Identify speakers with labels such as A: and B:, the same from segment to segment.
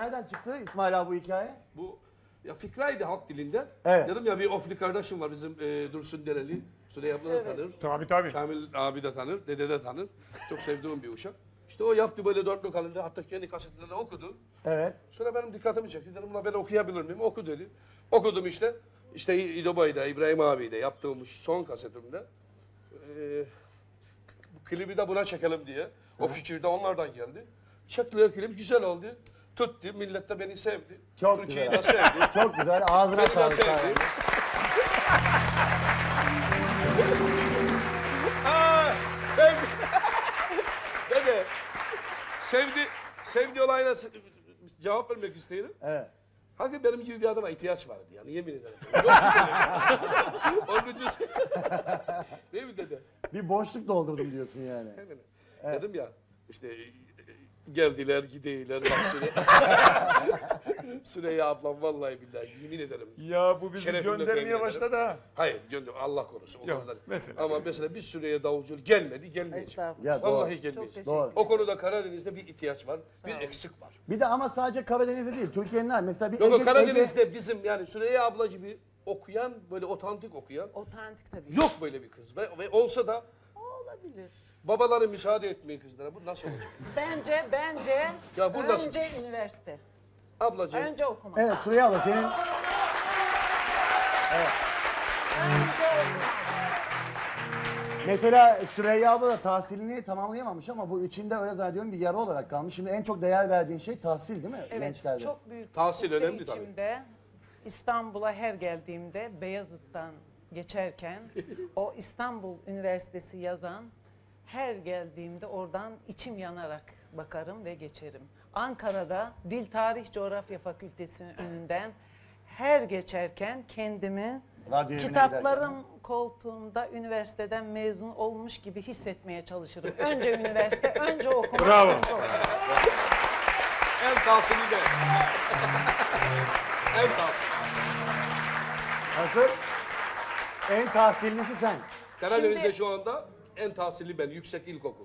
A: Nereden çıktı İsmail abi bu hikaye?
B: Bu ya fikraydı halk dilinde.
A: Evet.
B: Dedim ya bir ofli kardeşim var bizim Dursun Dereli. Süleyman abla da tanır.
C: Tabii.
B: Kamil abi de tanır. Dede de tanır. Çok sevdiğim bir uşak. İşte o yaptı böyle dörtlü kalınca hatta kendi kasetlerini okudu.
A: Evet.
B: Sonra benim dikkatimi çekti. Dedim ben okuyabilir miyim? Oku dedi. Okudum işte. İşte İdobay'da, İbrahim abi'de yaptığım son kasetimde. Bu klibi de buna çekelim diye. O fikir de onlardan geldi. Çektiler klip güzel oldu. Tuttu. Millet de beni sevdi.
A: Çok
B: Türkiye'yi
A: güzel.
B: de sevdi.
A: Çok güzel. Ağzına
B: Beni de
A: sağlık.
B: sevdi. Aa, sevdi. Dede. Sevdi olayına cevap vermek isterim.
A: Evet.
B: Hakikaten benim gibi bir adama ihtiyaç vardı yani yemin ederim. Yok çünkü. Onun için değil mi dede?
A: Bir boşluk doldurdum diyorsun yani.
B: Hemen. Dedim ya işte geldiler gideyler bak Süreyya ablam vallahi billahi yemin ederim.
C: Ya bu bizi
B: Şerefimle temin
C: göndermeye
B: ederim.
C: başladı ha.
B: Hayır gönder Allah korusun o
C: Yok,
B: konuda.
C: mesela.
B: Ama mesela bir Süreyya davulcu gelmeyecek.
D: Estağfurullah.
A: Ya doğru.
B: Vallahi gelmeyecek.
A: Doğru.
B: O konuda Karadeniz'de bir ihtiyaç var, bir
D: olun.
B: eksik var.
A: Bir de ama sadece Karadeniz'de değil. Türkiye'nin her. Mesela bir
B: Yok
A: Ege,
B: Karadeniz'de bizim yani Süreyya abla gibi okuyan böyle otantik okuyan
D: Otantik tabii.
B: yok böyle bir kız ve olsa da
D: Olabilir.
B: babaları müsaade etmiyor kızlara. Bu nasıl olacak?
D: Bence
B: Ya bu nasıl?
D: önce üniversite.
B: Ablacığım
D: Önce okumak.
A: Evet Süreyya abla senin...
D: Önce okumak.
A: Mesela Süreyya abla da tahsilini tamamlayamamış ama bu içinde öyle zannediyorum bir yara olarak kalmış. Şimdi en çok değer verdiğin şey tahsil değil mi
D: Evet,
A: gençlerde?
D: çok büyük.
B: Tahsil
D: ukde
B: önemli tabii.
D: içimde. İstanbul'a her geldiğimde Beyazıt'tan geçerken o İstanbul Üniversitesi yazan her geldiğimde oradan içim yanarak bakarım ve geçerim. Ankara'da Dil Tarih Coğrafya Fakültesi'nin önünden her geçerken kendimi
A: Radyo evine
D: kitaplarım koltuğumda üniversiteden mezun olmuş gibi hissetmeye çalışırım. Önce üniversite, önce okumak.
C: Bravo.
D: önce okumak.
B: en tahsili de. En tahsili.
A: Nasıl? En tahsillisi sen.
B: Karadeniz'de
D: Şimdi-
B: şu anda en tahsili ben. Yüksek ilkokul.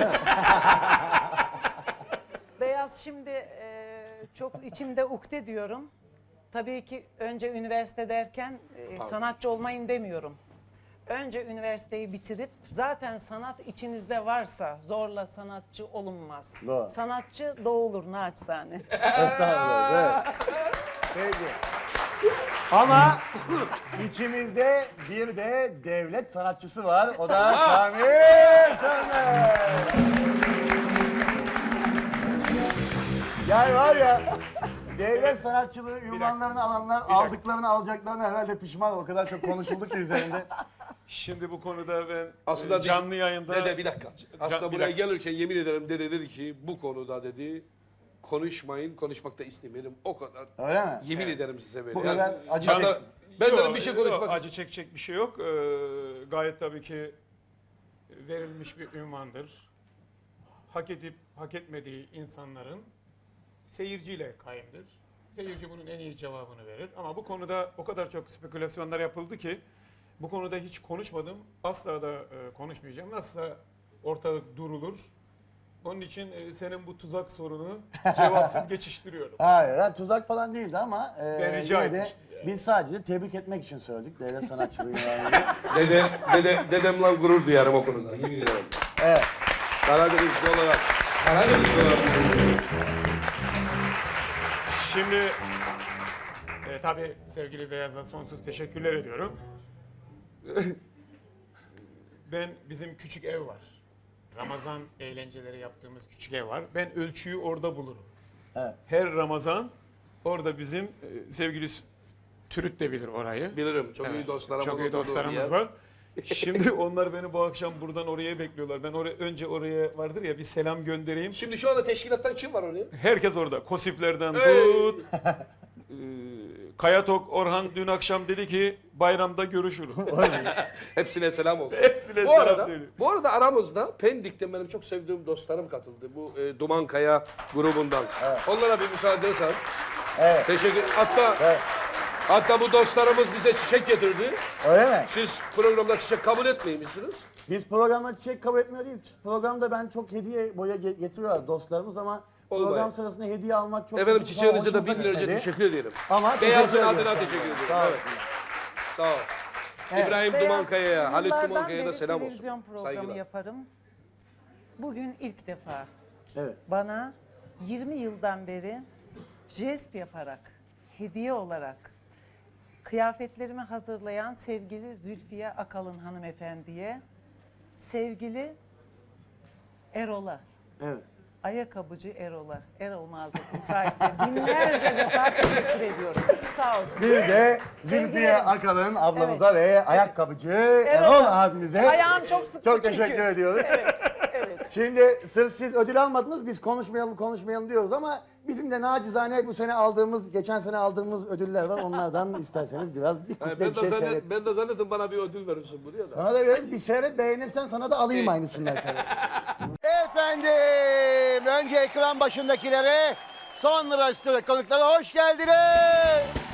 D: Beyaz şimdi çok içimde ukde diyorum. Tabii ki önce üniversite derken sanatçı olmayın demiyorum. Önce üniversiteyi bitirip zaten sanat içinizde varsa zorla sanatçı olunmaz.
A: Doğru.
D: Sanatçı doğulur naçizane.
A: Estağfurullah. Evet. Peki. Ama içimizde bir de devlet sanatçısı var. O da Kamil Sönmez. Yani var ya devlet sanatçılığı ünvanlarını alanlar aldıklarını alacaklarını herhalde pişman. O kadar çok konuşuldu ki üzerinde.
C: Şimdi bu konuda ben
B: Aslında
C: canlı yayında...
B: Dede bir dakika. Aslında
C: bir
B: buraya
C: dakika.
B: gelirken yemin ederim dede dedi ki bu konuda dedi konuşmayın, konuşmak da istemiyorum. O kadar.
A: Öyle mi?
B: Yemin ederim size böyle.
A: Bu kadar acı
B: hatta
A: çekti.
B: ben
C: Yok,
B: dedim bir şey konuşmak
C: yok, acı çekecek bir şey yok. Gayet tabii ki verilmiş bir ünvandır. Hak edip hak etmediği insanların seyirciyle kaimdir. Seyirci bunun en iyi cevabını verir. Ama bu konuda o kadar çok spekülasyonlar yapıldı ki bu konuda hiç konuşmadım. Asla da konuşmayacağım. Nasılsa ortalık durulur. Onun için senin bu tuzak sorunu cevapsız geçiştiriyorum.
A: Hayır, yani tuzak falan değildi ama
C: Ben rica
A: yine de
C: etmiştim yani.
A: biz sadece tebrik etmek için söyledik devlet sanatçılığı ünvanını.
B: dedemle gurur duyarım o konuda. Yemin ederim.
A: Evet.
B: Karadenizli olarak. Karadenizli olarak.
C: Şimdi tabii sevgili Beyaz'a sonsuz teşekkürler ediyorum. Bizim küçük ev var. Ramazan eğlenceleri yaptığımız küçük ev var. Ben ölçüyü orada bulurum.
A: Evet.
C: Her Ramazan orada bizim sevgili Türüt de bilir orayı.
B: Bilirim. Çok iyi
C: Evet,
B: dostlarım.
C: çok iyi dostlarımız var. Şimdi onlar beni bu akşam buradan oraya bekliyorlar. Ben önce oraya vardır ya bir selam göndereyim.
B: Şimdi şu anda teşkilattan kim var oraya?
C: Herkes orada. Kosiflerden
B: Hey!
C: tut. Kayatok Orhan dün akşam dedi ki bayramda görüşürüz.
B: Hepsine selam olsun.
C: Hepsine
B: bu
C: selam
B: arada,
C: söylüyorum.
B: bu arada aramızda Pendik'ten benim çok sevdiğim dostlarım katıldı. Bu Duman Kaya grubundan. Onlara bir müsaade edersen.
A: Evet.
B: Teşekkür.
A: Evet.
B: Hatta bu dostlarımız bize çiçek getirdi.
A: Öyle mi?
B: Siz programda çiçek kabul etmeymişsiniz.
A: Biz programda çiçek kabul etmiyor değil. Programda ben çok hediye boya getiriyorlar dostlarımız ama
B: Olmay.
A: Program sırasında hediye almak çok
B: Efendim
A: bizim
B: çiçeğinize de
A: hoşumuza
B: 1000 liraca
A: gitmedi.
B: teşekkür ederim.
A: Ama
B: Beyazın
A: teşekkür
B: adına
A: ediyoruz.
B: teşekkür ederim.
A: Sağ
B: Evet. Sağ ol.
A: Evet.
B: İbrahim
D: Beyaz
B: Dumankaya'ya, Halit
D: yıllardan
B: Dumankaya'ya da
D: beri
B: selam
D: televizyon
B: olsun.
D: programı
B: Saygılar.
D: yaparım. Bugün ilk defa
A: Evet.
D: bana 20 yıldan beri jest yaparak, hediye olarak kıyafetlerimi hazırlayan sevgili Zülfiye Akalın hanımefendiye, sevgili Erol'a,
A: Evet.
D: ayakkabıcı Erol'a, Erol mağazasının sahibine binlerce defa teşekkür ediyorum. Sağ olsun.
A: Bir de
D: Sevgili
A: Zülfiye
D: Erol.
A: Akalın ablamıza ve ayakkabıcı Erol abimize
D: Ayağım çok sıktı
A: çok
D: çünkü.
A: teşekkür ediyoruz.
D: Evet, evet.
A: Şimdi sırf siz ödül almadınız, biz konuşmayalım diyoruz ama bizim de nacizane bu sene aldığımız, geçen sene aldığımız ödüller var. Onlardan isterseniz biraz bir kuple bir şey seyret.
B: Ben de zannettim bana bir ödül verirsin buraya da.
A: Sana da verir, bir seyret, beğenirsen sana da alayım aynısından seyret. Efendim, önce ekran başındakilere, sonra stüdyo konuklara hoş geldiniz.